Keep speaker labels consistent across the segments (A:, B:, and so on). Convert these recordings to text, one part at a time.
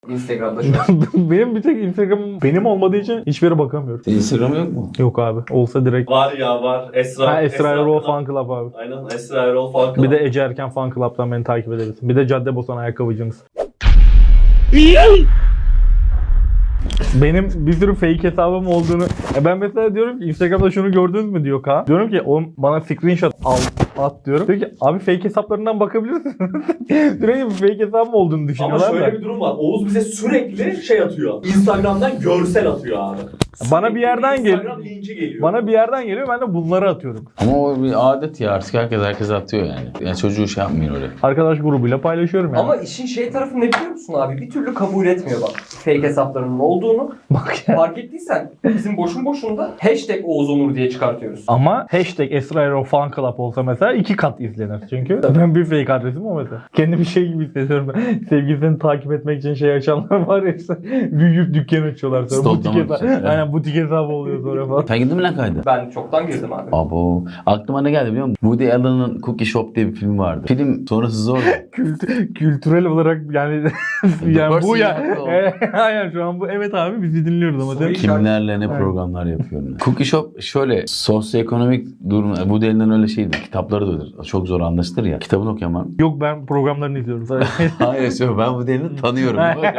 A: Instagram'da şu an.
B: Benim bir tek Instagram'ım benim olmadığı için hiçbir yere bakamıyorum.
C: Senin Instagram yok mu?
B: Yok abi. Olsa direkt.
D: Var ya var.
B: Esra Erol
D: Club.
B: Fan Club abi.
D: Aynen Esra Erol Fan Club.
B: Bir de Ece Erken Fan Club'dan beni takip edebilirsin. Bir de Caddebostan ayakkabıcınız. Benim bir sürü fake hesabım olduğunu... ben mesela diyorum ki Instagram'da şunu gördünüz mü diyor Kaan. Diyorum ki o bana screenshot at diyorum. Diyor ki abi fake hesaplarından bakabilirsiniz. Diyorum ki fake hesabım olduğunu
D: Ama
B: düşünüyorlar
D: şöyle
B: da.
D: bir durum var. Oğuz bize sürekli şey atıyor. Instagram'dan görsel atıyor abi.
B: Bana bir yerden
D: Instagram linki geliyor.
B: Bana bir yerden geliyor, ben de bunları atıyorum.
C: Ama o bir adet ya, artık herkes atıyor yani. Yani çocuğu şey yapmayın oraya.
B: Arkadaş grubuyla paylaşıyorum yani.
A: Ama işin şey tarafı ne biliyor musun abi? Bir türlü kabul etmiyor bak. Fake hesaplarının olduğunu.
B: Bak ya.
A: Fark ettiysen bizim boşuna hashtag Oğuz Onur diye çıkartıyoruz.
B: Ama hashtag Esra Erol Fan Club olsa mesela 2 kat izlenir çünkü. Ben bir fake adresim o mesela. Kendimi şey gibi hissediyorum ben. Sevgilisini takip etmek için şey açanlar var ya işte. Büyüyüp dükkan açıyorlar sonra. Butik
C: Stoklamak
B: hesabı.
C: için, evet.
B: Aynen butik hesabı oluyor sonra falan.
C: Sen gittin mi lan kayda?
A: Ben çoktan girdim abi.
C: Abo. Aklıma ne geldi biliyor musun? Woody Allen'ın Cookie Shop diye bir film vardı. Film sonrası zor.
B: Kültürel olarak yani yani bu ya.
C: yaptı o.
B: Aynen şu an bu. Evet abi bizi dinliyoruz ama.
A: Soru
C: Kimlerle ne
B: Evet.
C: programlar yapıyorum. Cookie Shop şöyle sosyoekonomik durum. Woody Allen'ın öyle şeydi. Kitapları da öyledir. Çok zor anlaşılır ya. Kitabını okuyamam.
B: Yok ben programlarını izliyorum sadece.
C: Hayır söyle, ben Woody Allen'ı tanıyorum.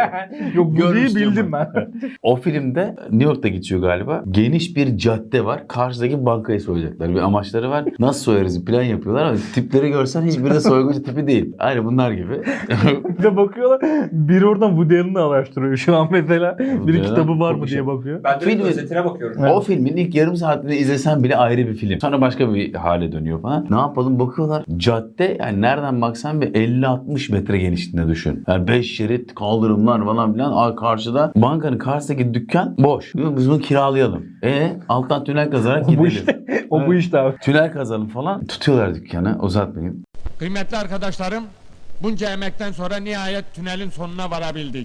B: Yok bu değil
C: Görmüştüm
B: bildim ben.
C: O filmde New York'ta geçiyor galiba. Geniş bir cadde var. Karşıdaki bankayı soyacaklar. Bir amaçları var. Nasıl soyarız plan yapıyorlar ama tipleri görsen hiçbiri de soyguncu tipi değil. Aynı bunlar gibi.
B: Bir de bakıyorlar biri oradan Woody Allen'ı araştırıyor şu an mesela. Biri
C: Allen,
B: kitabı var mı
C: çok
B: diye
C: şey.
B: bakıyor.
A: Ben de
C: Film-
A: özetine bakıyorum.
C: O filmin ilk yarım saatini izlesen bile ayrı bir film. Sonra başka bir hale dönüyor falan. Ne yapalım bakıyorlar. Cadde yani nereden baksan bir 50-60 metre genişliğinde düşün. Yani 5 şerit kaldırımlar falan filan. Karşıda bankanın karşısındaki dükkan boş. Diyor, biz bunu kiralayalım. Alttan tünel kazarak
B: Bu
C: gidelim.
B: işte. O bu işte abi.
C: Tünel kazalım falan. Tutuyorlar dükkanı. Uzatmayayım.
E: Kıymetli arkadaşlarım, bunca emekten sonra nihayet tünelin sonuna varabildik.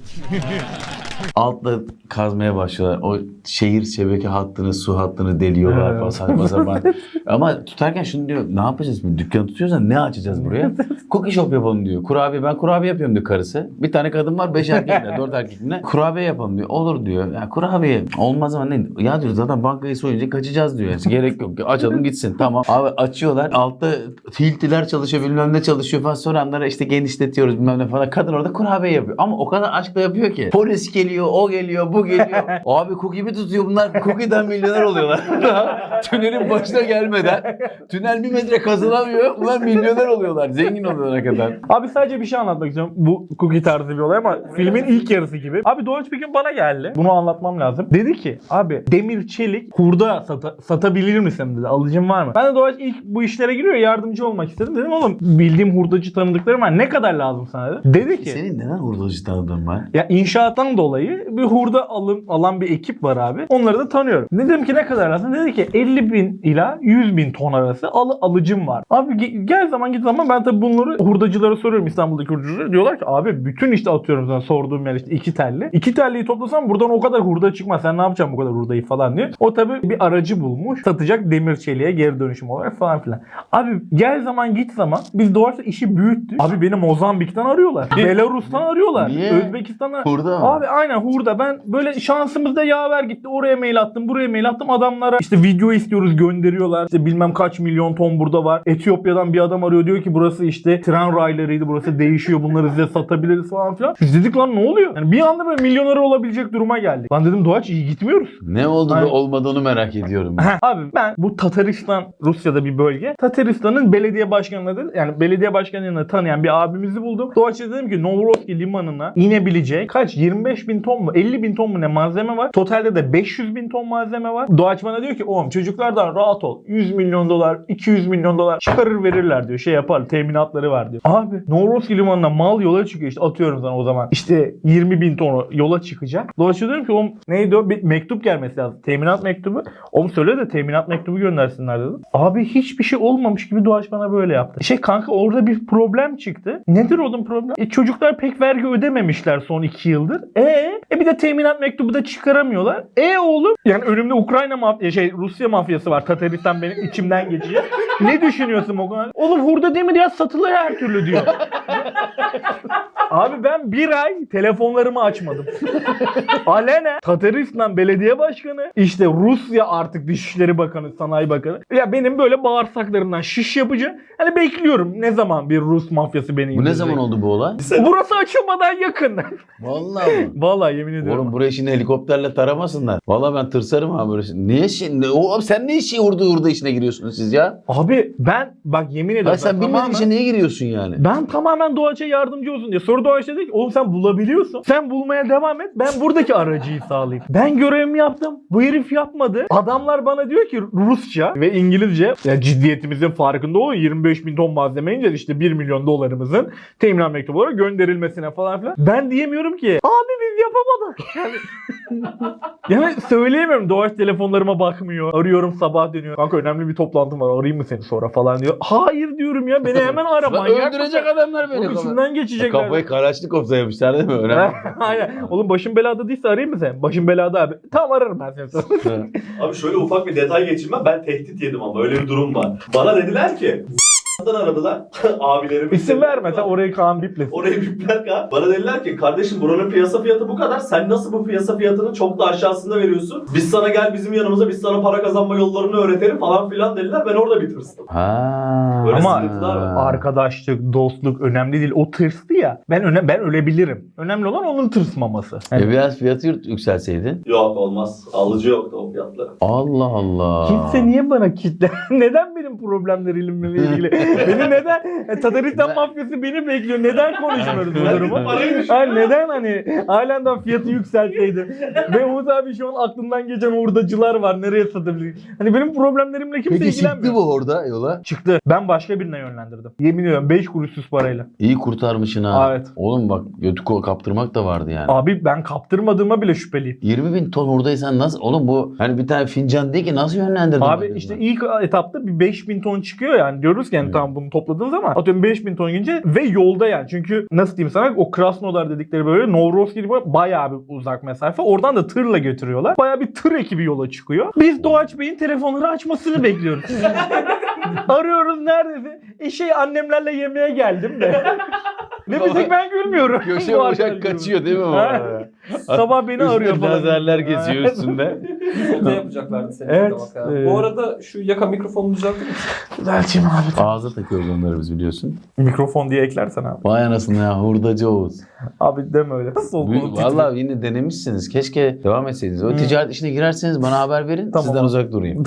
C: Altta kazmaya başlıyorlar. O şehir şebeke hattını, su hattını deliyorlar
B: Evet.
C: falan saçma sapan. Ama tutarken şunu diyor, ne yapacağız şimdi? Dükkanı tutuyorsan ne açacağız buraya? Cookie shop yapalım diyor. Ben kurabiye yapıyorum diyor karısı. Bir tane kadın var, 5 erkekle, 4 erkekle. Kurabiye yapalım diyor. Olur diyor. Ya kurabiye olmaz ama ne? Ya diyor zaten bankayı soyunca kaçacağız diyor. Yani gerek yok. Açalım gitsin. Tamam. Abi açıyorlar. Altta hiltiler çalışıyor, bilmem ne çalışıyor falan. Sonra onlara işte genişletiyoruz bilmem ne falan. Kadın orada kurabiye yapıyor. Ama o kadar aşkla yapıyor ki. Polis geliyor, o geliyor, bu geliyor. Abi cookie mi tutuyor bunlar? Cookie'den milyoner oluyorlar. Tünelin başına gelmeden. Tünel 1 metre kazılamıyor. Bunlar milyoner oluyorlar. Zengin oluyorlar kadar.
B: Abi sadece bir şey anlatmak istiyorum. Bu cookie tarzı bir olay ama filmin ilk yarısı gibi. Abi Doğaç bir gün bana geldi. Bunu anlatmam lazım. Dedi ki abi demir çelik hurda satabilir misin dedi. Alıcım var mı? Ben de Doğaç ilk bu işlere giriyor yardımcı olmak istedim. Dedim oğlum bildiğim hurdacı tanıdıklarım var. Ne kadar lazım sana dedi. Dedi ki
C: Senin neden hurdacı tanıdığın var?
B: ya inşaattan dolayı bir hurda alan bir ekip var abi. Onları da tanıyorum. Dedim ki ne kadar lazım? Dedi ki 50.000 ila 100.000 ton arası alıcım var. Abi gel zaman git zaman ben tabii bunları hurdacılara soruyorum, İstanbul'daki hurdacılara. Diyorlar ki abi bütün işte atıyorum sana sorduğum yer işte 2 telli. 2 telliyi toplasam buradan o kadar hurda çıkmaz. Sen ne yapacaksın bu kadar hurdayı falan diyor. O tabii bir aracı bulmuş. Satacak demir çeliğe geri dönüşüm olarak falan filan. Abi gel zaman git zaman biz doğrusu işi büyüttük. Abi beni Mozambik'ten arıyorlar. Belarus'tan arıyorlar.
C: Niye?
B: Özbekistan'dan.
C: Hurda mı?
B: Abi aynen hurda. Ben böyle şansımızda yaver gitti. Oraya mail attım, buraya mail attım. Adamlara işte video istiyoruz gönderiyorlar. İşte bilmem kaç milyon ton burada var. Etiyopya'dan bir adam arıyor diyor ki burası işte tren raylarıydı. Burası değişiyor. Bunları size satabiliriz falan filan. Biz dedik lan ne oluyor? Yani bir anda böyle milyoner olabilecek duruma geldik. Lan dedim Doğaç iyi gitmiyoruz.
C: Ne oldu
B: Aynen.
C: da olmadı onu merak ediyorum.
B: Abi ben bu Tataristan, Rusya'da bir bölge. Tataristan'ın belediye başkanını yani belediye başkanını tanıyan bir abimizi buldum. Doğaç'a dedim ki Novorossiysk limanına inebilecek kaç 25.000 ton mu 50.000 ton mu ne malzeme var. Totalde de 500.000 ton malzeme var. Doğaç bana diyor ki oğlum çocuklardan rahat ol. 100 milyon dolar 200 milyon dolar çıkarır verirler diyor. Şey yapar teminatları var diyor. Abi Novorossiysk limanına mal yola çıkıyor işte atıyorum sana o zaman. İşte 20.000 ton yola çıkacak. Doğaç'a diyorum ki oğlum neydi o? Bir mektup gelmesi lazım. Teminat mektubu. Oğlum söyle de teminat mektubu göndersinler dedim. Abi hiçbir şey olmamış gibi Doğaç bana böyle yaptı. Kanka orada bir problem çıktı. Nedir onun problem? Çocuklar pek vergi ödememişler son 2 yıldır. Bir de teminat mektubu da çıkaramıyorlar. Oğlum yani önümde Ukrayna Rusya mafyası var. Tataristan benim içimden geçecek. Ne düşünüyorsun o kadar? Oğlum hurda demir ya satılır her türlü diyor. Abi ben bir ay telefonlarımı açmadım. Alene Tataristan belediye başkanı, işte Rusya artık Dışişleri Bakanı, Sanayi Bakanı. Ya benim böyle bağırsaklarımdan şiş yapıcı. Hani bekliyorum ne zaman bir Rus mafyası beni
C: Bu ne
B: indirecek.
C: zaman oldu bu olay?
B: Burası açılmadan yakın.
C: Vallahi mi?
B: Vallahi yemin ediyorum.
C: Oğlum burayı şimdi helikopterle taramasınlar. Vallahi ben tırsarım abi böyle şey. Niye şimdi? Oğlum sen ne işi hurda işine giriyorsunuz siz ya?
B: Abi ben bak yemin ediyorum.
C: Ay sen
B: ben
C: bilmediğin
B: tamamen-
C: işe niye giriyorsun yani?
B: Ben tamamen Doğaç'a yardımcı olsun diye. Sonra Doğaç dedi ki oğlum sen bulabiliyorsun. Sen bulmaya devam et. Ben buradaki aracıyı sağlayayım. Ben görevimi yaptım. Bu herif yapmadı. Adamlar bana diyor ki Rusça ve İngilizce. Ya ciddiyetimizin farkında olun. 25 bin ton malzeme ineceğiz. İşte 1 milyon dolarımızın teminat mektubu olarak gönderilmesine falan filan. Ben diyemiyorum ki abi biz yapamadık. Yani söyleyemiyorum. Doğaç telefonlarıma bakmıyor. Arıyorum sabah dönüyor. Kanka önemli bir toplantım var. Arayayım mı seni sonra falan diyor. Hayır diyorum ya. Beni hemen ara.
C: Lan
B: Manyak
C: öldürecek
B: mısın?
C: adamlar beni.
B: Oğlum içinden geçecekler.
C: Kafayı Karaçnikov'da yapmışlar değil mi? Önemli.
B: Aynen. Oğlum başın belada değilse arayayım mı sen? Başın belada abi. Tamam ararım ben seni sonra.
D: Abi şöyle ufak bir detay geçeyim ben tehdit yedim ama öyle bir durum var. Bana dediler ki aradılar abilerim.
B: İsim verme sen orayı Kaan biplesin.
D: Orayı bipler kan. Bana dediler ki kardeşim buranın piyasa fiyatı bu kadar. Sen nasıl bu piyasa fiyatını çok da aşağısında veriyorsun? Biz sana gel bizim yanımıza biz sana para kazanma yollarını öğretelim falan filan dediler. Ben orada bir tırstım.
C: Ha.
D: Böyle
B: Ama
D: sıkıntılar var.
B: arkadaşlık, dostluk önemli değil. O tırstı ya. Ben ölebilirim. Önemli olan onun tırsmaması. Yani
C: Biraz fiyatı yükselseydin.
D: Yok olmaz. Alıcı yoktu o fiyatlara.
C: Allah Allah.
B: kimse niye bana kitle? Neden benim problemlerimle ilgili? Beni neden? Tataristan mafyası beni bekliyor. Neden konuşmuyoruz bu durumu? Yani neden hani halen fiyatı yükselteydi? Ve Umut abi şu an aklından geçen hurdacılar var. Nereye satabilir? Hani benim problemlerimle kimse
C: Peki
B: ilgilenmiyor.
C: çıktı bu orada yola?
B: Çıktı. Ben başka birine yönlendirdim. Yemin ediyorum 5 kuruşsuz parayla.
C: İyi kurtarmışsın ha.
B: Evet.
C: Oğlum bak götü kaptırmak da vardı yani.
B: Abi ben kaptırmadığıma bile şüpheliyim.
C: 20 bin ton hurdaysan nasıl? Oğlum bu hani bir tane fincan değil ki nasıl yönlendirdin?
B: Abi
C: beni
B: işte
C: ben?
B: ilk etapta bir 5000 ton çıkıyor yani. Diyoruz ki yani tamam bunu topladığın zaman atıyorum 5000 ton gelince ve yolda yani. Çünkü nasıl diyeyim sana o Krasnodar dedikleri böyle Novrossiysk gibi bayağı bir uzak mesafe. Oradan da tırla götürüyorlar. Bayağı bir tır ekibi yola çıkıyor. Biz Doğaç Bey'in telefonları açmasını bekliyoruz. Arıyoruz neredesin? Annemlerle yemeğe geldim de. Ne bileyim ben gülmüyorum.
C: Köşe
B: Bu
C: bıçak
B: arkadaş
C: kaçıyor değil mi bu?
B: Ha. Sabah beni arıyor
C: Üstünde
B: falan.
C: lazerler geziyor üstünde.
A: Yolda yapacaklardı seni.
B: Evet,
A: Bak ya. Bu arada şu yaka mikrofonunu düzeltir misin?
B: Düzelteyim abi.
C: Ağza takıyoruz onları biz biliyorsun.
B: Mikrofon diye eklersen abi.
C: Vay anasını ya hurdacı Oğuz.
B: Abi deme öyle. Nasıl oldu?
C: Vallahi yine denemişsiniz. Keşke devam etseydiniz. O ticaret işine girerseniz bana haber verin.
B: Tamam.
C: Sizden uzak durayım.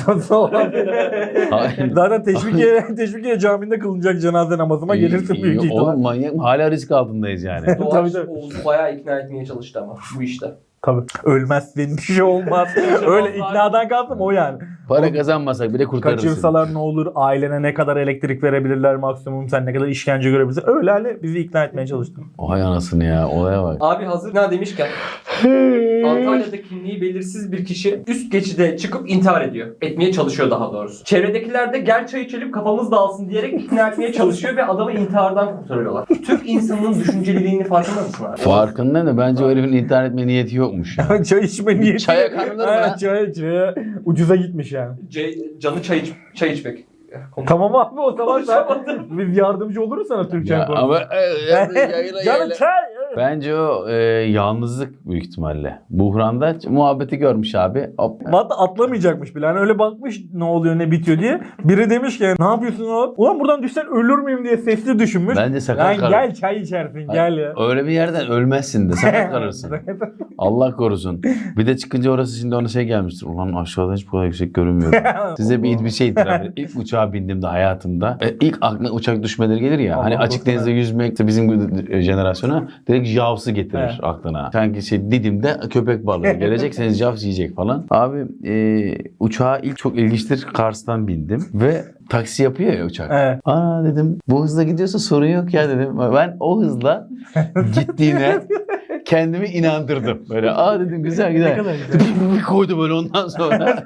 C: Hayır.
B: Zaten Teşvikiye Camii'nde kılınacak cenaze namazıma gelirsin büyük ihtimal.
C: Oğlum manyak mı? Hala risk altındayız yani.
A: Doğaç
B: tabii.
A: Oğuz'u bayağı ikna etmeye çalıştı ama bu işte.
B: Tabii. Ölmezsin bir şey olmaz. Öyle iknadan kalktım o yani.
C: Para kazanmasak bile kurtarırsın.
B: Kaçırsalar ne olur? Ailene ne kadar elektrik verebilirler maksimum? Sen ne kadar işkence görebilirsin? Öyle hali bizi ikna etmeye çalıştım.
C: Hay anasını ya. Olaya bak.
A: Abi hazır ne demişken Antalya'da kimliği belirsiz bir kişi üst geçide çıkıp intihar ediyor. Etmeye çalışıyor daha doğrusu. Çevredekiler de gel çay içelim kafamız dağılsın diyerek ikna etmeye çalışıyor ve adamı intihardan kurtarıyorlar. Türk insanının düşünceliliğini farkında mısın abi?
C: Farkında ne? Bence o herifin intihar etme niyeti yokmuş ya.
B: Çay içme niyeti.
C: Çaya kanılır mı
B: Ha,
C: lan?
B: çaya ucuza gitmiş yani.
A: Canı çay içmek.
B: Tamam abi o zaman sen biz yardımcı oluruz sana Türkçe
C: Ya,
B: konusunda.
C: ama yayla,
B: Canım
C: yayla.
B: çay.
C: Bence o yalnızlık büyük ihtimalle. Buhranda muhabbeti görmüş abi. Hop.
B: Hatta atlamayacakmış bile. Hani öyle bakmış ne oluyor ne bitiyor diye. Biri demiş ki ne yapıyorsun oğlum? Ulan buradan düşsen ölür müyüm diye sesli düşünmüş.
C: Bence sakat
B: Lan
C: kalır.
B: gel çay içersin gel ya.
C: Öyle bir yerden ölmezsin de sakat kalırsın. Allah korusun. Bir de çıkınca orası şimdi ona şey gelmiştir. Ulan aşağıdan hiç bu kadar yüksek görünmüyor. Size bir şey itiraf edeyim. İlk uçağa bindiğimde hayatımda ilk aklına uçak düşmeleri gelir ya. Hani
B: Allah
C: açık
B: korusun.
C: denizde yüzmek de bizim jenerasyona direkt javsı getirir
B: Evet.
C: aklına. Sanki Didim'de köpek balığı gelecek seni javs yiyecek falan. Abi uçağa ilk çok ilginçtir Kars'tan bindim ve taksi yapıyor ya uçak.
B: Evet.
C: Aa dedim bu hızla gidiyorsa sorun yok ya dedim. Ben o hızla gittiğine kendimi inandırdım. Böyle dedim güzel
B: Ne
C: güzel.
B: kadar güzel.
C: Bir koydu böyle ondan sonra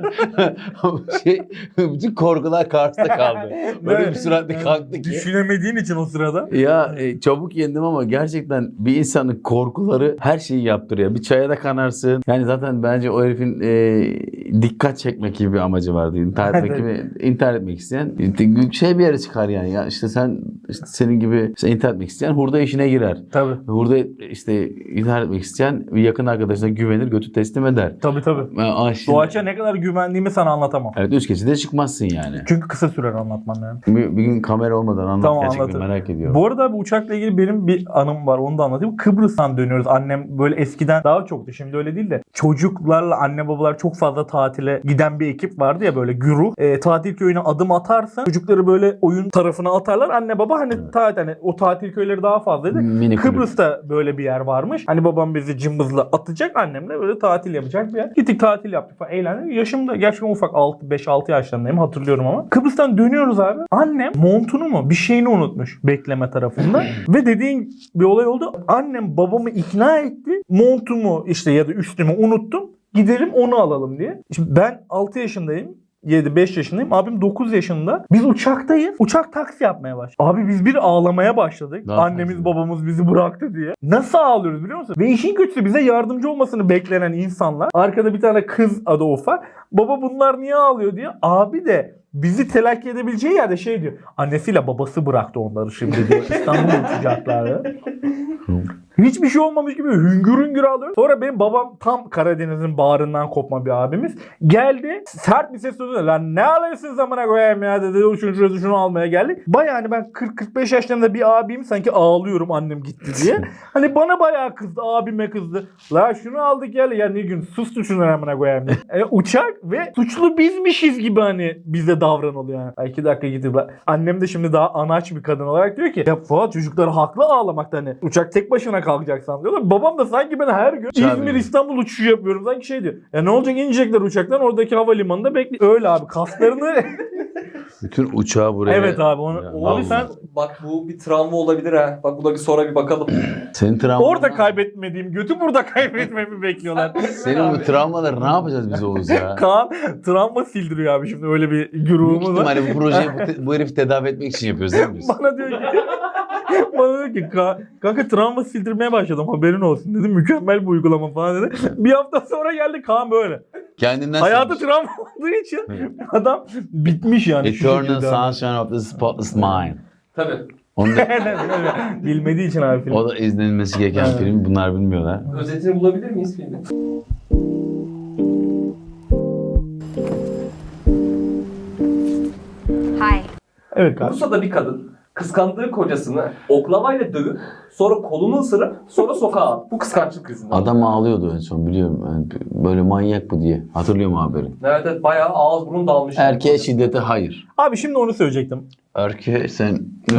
C: bütün korkular Kars'ta kaldı. Böyle bir süratle kalktı ki.
B: Düşünemediğin için o sırada.
C: Ya çabuk yendim ama gerçekten bir insanın korkuları her şeyi yaptırıyor. Bir çaya da kanarsın. Yani zaten bence o herifin dikkat çekmek gibi bir amacı vardı. İntihar etmek gibi, intihar etmek isteyen şey bir yere çıkar yani. Ya işte sen işte senin gibi işte intihar etmek isteyen hurda işine girer.
B: Tabii.
C: Hurda işte intihar etmek isteyen bir yakın arkadaşına güvenir, götü teslim eder.
B: Tabii. Doğaç'a ne kadar güvendiğimi sana anlatamam.
C: Evet, 3 geçide çıkmazsın yani.
B: Çünkü kısa sürer anlatmam yani.
C: Bir gün kamera olmadan anlat,
B: Tamam,
C: gerçekten
B: anlatırım.
C: merak ediyorum.
B: Bu arada bu uçakla ilgili benim bir anım var. Onu da anlatayım. Kıbrıs'tan dönüyoruz. Annem böyle eskiden daha çoktu. Şimdi öyle değil de. Çocuklarla anne babalar çok fazla tatile giden bir ekip vardı ya böyle güruh. Tatil köyüne adım atarsın. Çocukları böyle oyun tarafına atarlar. Anne baba hani hani o tatil köyleri daha fazlaydı.
C: Mini kulüp.
B: Kıbrıs'ta böyle bir yer varmış. Hani babam bizi cımbızla atacak. Annemle böyle tatil yapacak bir yer. Gittik tatil yaptık falan. Eğlendik. Yaşım da gerçekten ufak. 5-6 yaşlarındayım. Hatırlıyorum ama. Kıbrıs'tan dönüyoruz abi. Annem montunu mu bir şeyini unutmuş bekleme tarafında. Ve dediğin bir olay oldu. Annem babamı ikna etti. Montumu işte ya da üstümü unuttum. Gidelim onu alalım diye. Şimdi ben 6 yaşındayım. 5 yaşındayım. Abim 9 yaşında. Biz uçaktayız. Uçak taksi yapmaya başladı. Abi biz bir ağlamaya başladık.
C: Daha
B: Annemiz
C: taksi.
B: babamız bizi bıraktı diye. Nasıl ağlıyoruz biliyor musun? Ve işin kötüsü bize yardımcı olmasını beklenen insanlar. Arkada bir tane kız adı ufak. Baba bunlar niye ağlıyor diye. Abi de bizi telakki edebileceği yerde şey diyor. Annesiyle babası bıraktı onları şimdi diye. İstanbul'a uçacaklar. Hiçbir şey olmamış gibi hüngür hüngür ağlıyor. Sonra benim babam tam Karadeniz'in bağrından kopma bir abimiz. Geldi sert bir ses söyledi. Lan ne alıyorsun zamana koyayım ya dedi. Şunu almaya geldi. Baya hani ben 40-45 yaşlarında bir abim sanki ağlıyorum annem gitti diye. Hani bana bayağı kızdı. Abime kızdı. La şunu aldık gel. Ya ne gün sustu şunu amına koyayım diye. Uçak ve suçlu bizmişiz gibi hani bize davranılıyor yani. 2 dakika gidip annem de şimdi daha anaç bir kadın olarak diyor ki ya Fuat çocuklar haklı ağlamakta hani. Uçak tek başına kalkacaksan diyorlar. Babam da sanki ben her gün İzmir İstanbul uçuşu yapıyorum. Sanki şey diyor. Ya ne olacak inecekler uçaktan oradaki havalimanında bekliyor. Öyle abi kaslarını
C: Bütün uçağı buraya...
B: evet abi onu
C: Ya,
B: abi
C: vallahi.
B: sen
A: Bak bu bir travma olabilir ha. Bak buna bir sonra bir bakalım.
C: Senin travmalar...
B: orada kaybetmediğim götü burada kaybetmemi bekliyorlar.
C: Senin bu travmaları ne yapacağız biz Oğuz ya?
B: Kaan travma sildiriyor abi şimdi öyle bir
C: Büyük
B: grubumuz var.
C: ihtimalle bu projeyi bu herifi tedavi etmek için yapıyoruz değil mi biz?
B: Bana diyor ki kanka travma sildirmeye başladım haberin olsun dedi. Mükemmel bir uygulama falan dedi. Bir hafta sonra geldi Kaan böyle.
C: Kendinden
B: Hayatı
C: silmiş.
B: travma olduğu için adam bitmiş yani. şu
C: Eternal
B: şekilde.
C: Sunshine of the Spotless Mind.
A: Tabii.
C: Onu da,
B: Bilmediği için abi film.
C: o da izlenilmesi gereken
B: Evet.
C: film. Bunlar bilmiyorlar.
A: Özetini bulabilir miyiz filmin?
F: Hi.
B: Evet kanka.
A: Bursa'da bir kadın kıskandığı kocasını oklavayla dövüp sonra kolunu ısırıp sonra sokağa attı. Bu kıskançlık yüzünden.
C: Adam ağlıyordu en son biliyorum. Yani böyle manyak bu diye. Hatırlıyor musun haberi?
A: Evet bayağı ağız burun dalmış.
C: Erkeğe şiddete hayır.
B: Abi şimdi onu söyleyecektim.
C: Erkeğe sen...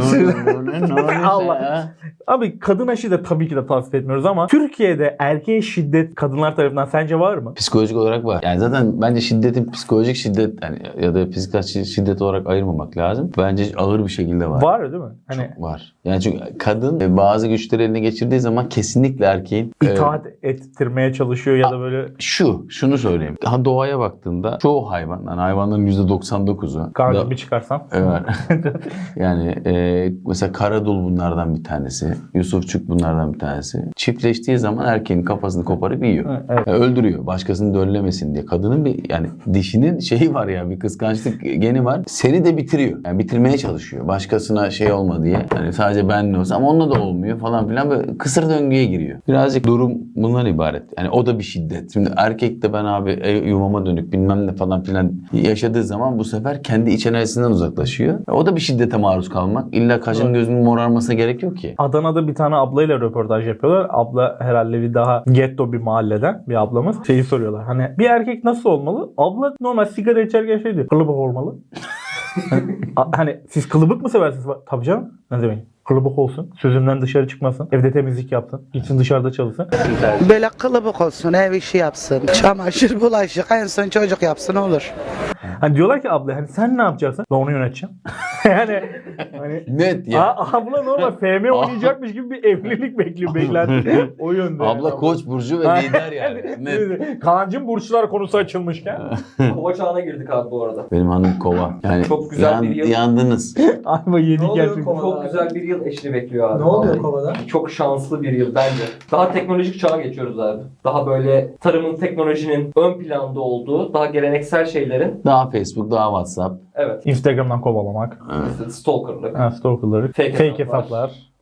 B: Allah. Abi kadına şiddet tabii ki de tavsiye etmiyoruz ama Türkiye'de erkeğe şiddet kadınlar tarafından sence var mı?
C: Psikolojik olarak var. Yani zaten bence şiddetin psikolojik şiddet yani ya da fiziksel şiddet olarak ayırmamak lazım. Bence ağır bir şekilde var.
B: Var değil mi? Hani
C: Var. Yani çünkü kadın bazı güçleri eline geçirdiği zaman kesinlikle erkeğin
B: itaat ettirmeye çalışıyor ya da böyle
C: şunu söyleyeyim. Daha doğaya baktığında çoğu hayvan, yani hayvanların %99'u
B: karnı bir çıkarsan.
C: evet. Yani mesela Karadul bunlardan bir tanesi. Yusufçuk bunlardan bir tanesi. Çiftleştiği zaman erkeğin kafasını koparıp yiyor.
B: Evet.
C: Öldürüyor. Başkasını döllemesin diye. Kadının bir yani dişinin şeyi var ya bir kıskançlık geni var. Seni de bitiriyor. Yani bitirmeye çalışıyor. Başkasına şey olma diye. Yani sadece benle olsa ama onunla da olmuyor falan filan böyle kısır döngüye giriyor. Birazcık durum bundan ibaret. Yani o da bir şiddet. Şimdi erkek de ben abi yuvama dönük bilmem ne falan filan yaşadığı zaman bu sefer kendi iç enerjisinden uzaklaşıyor. O da bir şiddete maruz kalmak. İlla kaşın gözünün morarmasına gerek yok ki.
B: Adana'da bir tane ablayla röportaj yapıyorlar. Abla herhalde bir daha getto bir mahalleden bir ablamız. Şeyi soruyorlar. Hani bir erkek nasıl olmalı? Abla normal sigara içerken şey diyor. Kılıbık olmalı. hani siz kılıbık mı seversiniz? Tabii canım. Ne demek? Kılıbık olsun. Sözünden dışarı çıkmasın. Evde temizlik yapsın. Gitsin dışarıda çalışsın.
G: Böyle kılıbık olsun, ev işi yapsın, çamaşır, bulaşık, en son çocuk yapsın olur.
B: Hani diyorlar ki abla hani sen ne yapacaksın? Ben onu yöneteceğim. yani hani
C: Net ya.
B: abla normal FM oynayacakmış gibi bir evlilik bekliyor beklenti. O yönde.
C: Abla
B: yani.
C: Koç burcu ve lider yani. Net.
B: Kaan'cığım burçlar konusu açılmışken.
A: Kova çağına girdik abi bu arada.
C: Benim hanım kova. Yani
A: Çok güzel bir yıl.
C: yandınız.
B: Ayva yedik
F: Ne oluyor
B: gerçekten.
F: kova?
A: Çok güzel bir yıl eşini bekliyor abi.
F: Ne oluyor
A: Vallahi.
F: kovada?
A: Çok şanslı bir yıl bence. Daha teknolojik çağa geçiyoruz abi. Daha böyle tarımın, teknolojinin ön planda olduğu, daha geleneksel şeylerin,
C: Daha Facebook, daha WhatsApp.
A: evet,
B: Instagram'dan kovalamak.
A: işte stalkerlık,
B: Ha, stalkerları.
A: Fake
B: Fake
A: hesaplar.
B: hesaplar.